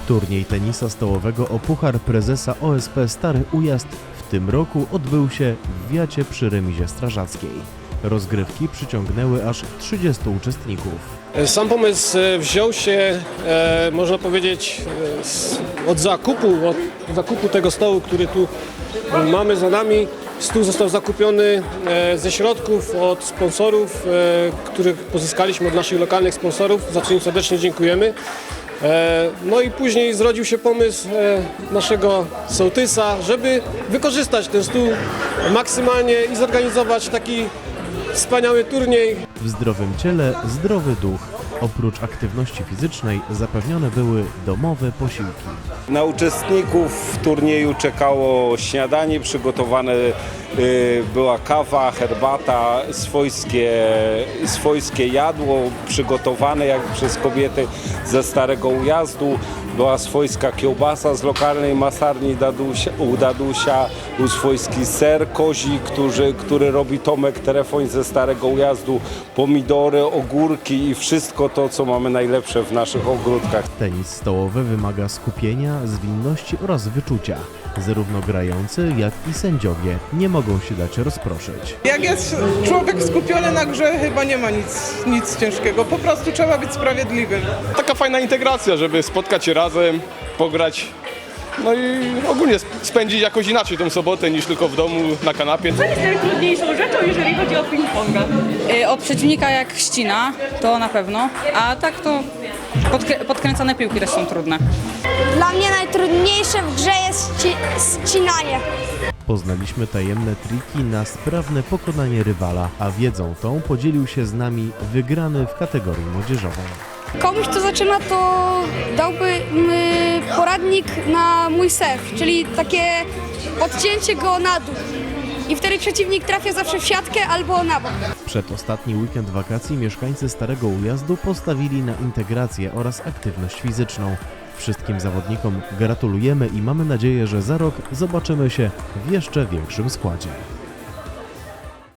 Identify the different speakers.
Speaker 1: Turniej tenisa stołowego o Puchar Prezesa OSP Stary Ujazd w tym roku odbył się w Wiacie przy remizie strażackiej. Rozgrywki przyciągnęły aż 30 uczestników.
Speaker 2: Sam pomysł wziął się, można powiedzieć, od zakupu tego stołu, który tu mamy za nami. Stół został zakupiony ze środków od sponsorów, których pozyskaliśmy od naszych lokalnych sponsorów, za co im serdecznie dziękujemy. No i później zrodził się pomysł naszego sołtysa, żeby wykorzystać ten stół maksymalnie i zorganizować taki wspaniały turniej.
Speaker 1: W zdrowym ciele zdrowy duch. Oprócz aktywności fizycznej zapewnione były domowe posiłki.
Speaker 3: Na uczestników turnieju czekało śniadanie, przygotowane była kawa, herbata, swojskie jadło przygotowane jak przez kobiety ze Starego Ujazdu. Była swojska kiełbasa z lokalnej masarni u Dadusia, był swojski ser kozi, który robi Tomek Telefoń ze Starego Ujazdu, pomidory, ogórki i wszystko to, co mamy najlepsze w naszych ogródkach.
Speaker 1: Tenis stołowy wymaga skupienia, zwinności oraz wyczucia. Zarówno grający, jak i sędziowie nie mogą się dać rozproszyć.
Speaker 4: Jak jest człowiek skupiony na grze, chyba nie ma nic ciężkiego. Po prostu trzeba być sprawiedliwym.
Speaker 5: Taka fajna integracja, żeby spotkać się razem, pograć, no i ogólnie spędzić jakoś inaczej tą sobotę niż tylko w domu na kanapie.
Speaker 6: Co jest najtrudniejszą rzeczą, jeżeli chodzi o ping-ponga?
Speaker 7: Od przeciwnika jak ścina, to na pewno, a tak to podkręcane piłki też są trudne.
Speaker 8: Dla mnie najtrudniejsze w grze jest ścinanie.
Speaker 1: Poznaliśmy tajemne triki na sprawne pokonanie rywala, a wiedzą tą podzielił się z nami wygrany w kategorii młodzieżowej.
Speaker 8: Komuś, kto zaczyna, to dałby poradnik na mój serw, czyli takie odcięcie go na dół. I wtedy przeciwnik trafia zawsze w siatkę albo na bok.
Speaker 1: Przedostatni weekend wakacji mieszkańcy Starego Ujazdu postawili na integrację oraz aktywność fizyczną. Wszystkim zawodnikom gratulujemy i mamy nadzieję, że za rok zobaczymy się w jeszcze większym składzie.